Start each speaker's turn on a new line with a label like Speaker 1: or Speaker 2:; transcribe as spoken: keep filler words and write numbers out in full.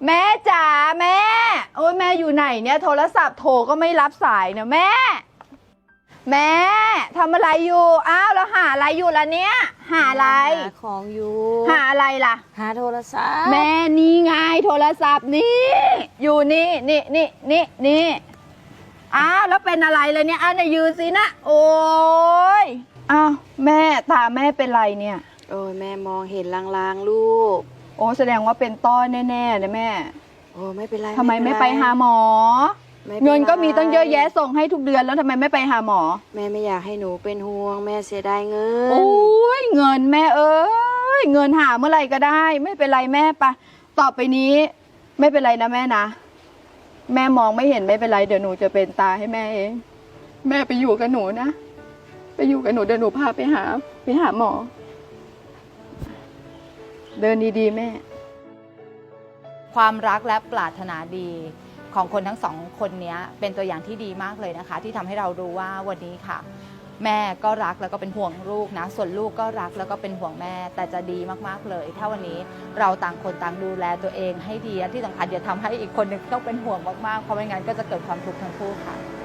Speaker 1: แม่จ๋าแม่โอ้ยแม่อยู่ไหนเนี่ยโทรศัพท์โทรก็ไม่รับสายเนี่ยแม่ แม่ทำอะไรอยู่อ้าวแล้วหาอะไรอยู่ล่ะเนี่ยหาอะไร
Speaker 2: หาของอยู่
Speaker 1: หาอะไรล่ะ
Speaker 2: หาโทรศัพท์
Speaker 1: แม่นี่ไงโทรศัพท์นี่อยู่นี่นี่นี่นี่นี่อ้าวแล้วเป็นอะไรเลยเนี่ยอ้าวเนี่ยยืนสินะโอ้ยอ้าวแม่ตาแม่เป็นไรเนี่ย
Speaker 2: โอ้ยแม่มองเห็นลางๆลูก
Speaker 1: โอ้แสดงว่าเป็นต้อแน่ๆเลยแม่
Speaker 2: โอ้ไม่เป็นไร
Speaker 1: ทำไมไม่ไปหาหมอเงินก็มีตั้งเยอะแยะส่งให้ทุกเดือนแล้วทำไมไม่ไปหาหมอ
Speaker 2: แม่ไม่อยากให้หนูเป็นห่วงแม่เสียดายเงิน
Speaker 1: โอ้ยเงินแม่เอ้ยเงินหาเมื่อไหร่ก็ได้ไม่เป็นไรแม่ปะต่อไปนี้ไม่เป็นไรนะแม่นะแม่มองไม่เห็นไม่เป็นไรเดี๋ยวหนูจะเป็นตาให้แม่เองแม่ไปอยู่กับหนูนะไปอยู่กับหนูเดี๋ยวหนูพาไปหาไปหาหมอเดินดีๆแม่ความรักและปรารถนาดีของคนทั้งสองคนนี้เป็นตัวอย่างที่ดีมากเลยนะคะที่ทำให้เรารู้ว่าวันนี้ค่ะแม่ก็รักแล้วก็เป็นห่วงลูกนะส่วนลูกก็รักแล้วก็เป็นห่วงแม่แต่จะดีมากๆเลยถ้าวันนี้เราต่างคนต่างดูแลตัวเองให้ดีและที่สำคัญอย่าทำให้อีกคนหนึ่งต้องเป็นห่วงมากๆเพราะไม่งั้นก็จะเกิดความทุกข์ทั้งคู่ค่ะ